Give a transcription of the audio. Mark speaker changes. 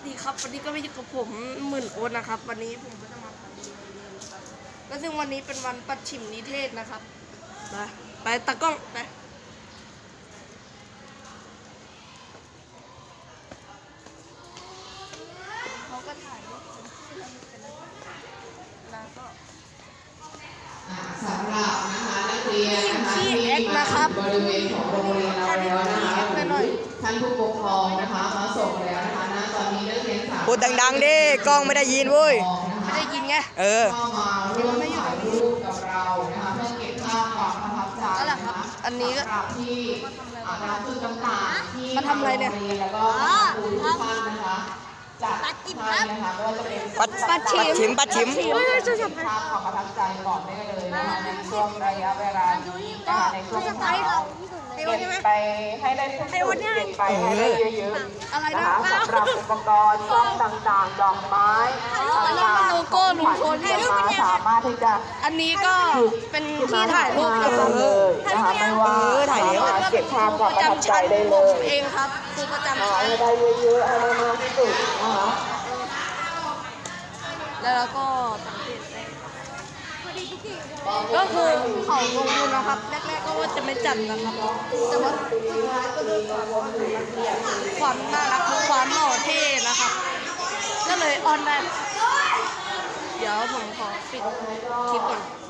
Speaker 1: ดีครับวันนี้ก็ไม่อยู่กับผมหมื่นโอ๊ตนะครับวันนี้ผมก็จะมาปั่นจักรยานนะครับและซึ่งวันนี้เป็นวันปัดฉิมนิเทศนะครับไปตากล้องไปเขาก็ถ่ายรูปแล้วก็
Speaker 2: สำหรับนะคะนักเรียนนะคะที่มาบริเวณของโรงเรียนเราแล้วนะคะท่านผู้ปกครองนะคะมาส่งแล้วนะคะณตอนนี้นักเรียนสาม
Speaker 3: พูดดังๆดิกล้องไม่ได้ยินเว้ย
Speaker 1: ไม่ได้ยินไง
Speaker 2: เข้ามาร่วมถ่ายรูปกับเรานะคะเพื่อเก็บภาพความประทับใจนะคะ
Speaker 1: อันนี้ก็
Speaker 2: ที่ตามจุดต่างๆที่
Speaker 1: มาทำอะไรเนี่ย
Speaker 2: แล้วก็ครูทุกท่านนะคะจัดให้นะคะก็จะเป็น
Speaker 3: ปัดฉิมภาพ
Speaker 2: ความประทับใจก่อนได้เลยนะคะในช่วงระยะเวลานี้นะคะในช่วงเช้าเก็บไปให้ได้ทุกจุดเก็บไปให้ได้เยอะๆนะคะสำหรับอุปกรณ์กล้องต่างๆดอกไม้ต่างๆ
Speaker 1: โลโก้ลุงพล
Speaker 2: สามารถที่จะ
Speaker 1: อันนี้ก็เป็นที่ถ่ายรูปนะครับ
Speaker 2: นะคะไม่ว่าถ่ายเก็บภาพความประทับใจได้เล
Speaker 1: ผม
Speaker 2: ย
Speaker 1: เองครับครูประจำชั้น
Speaker 2: ให้ได้เยอะๆให้ได้มากที่สุดนะคะ
Speaker 1: แล้วก็สังเกตได้ก็คือเขาลงทุนนะครับแรกๆก็ว่าจะไม่จัดนะครับแต่ว่าสุดท้ายก็ด้วยความน่ารักความหล่อเท่นะครับก็เลยออนได้เดี๋ยวผมขอปิดคลิปก่อน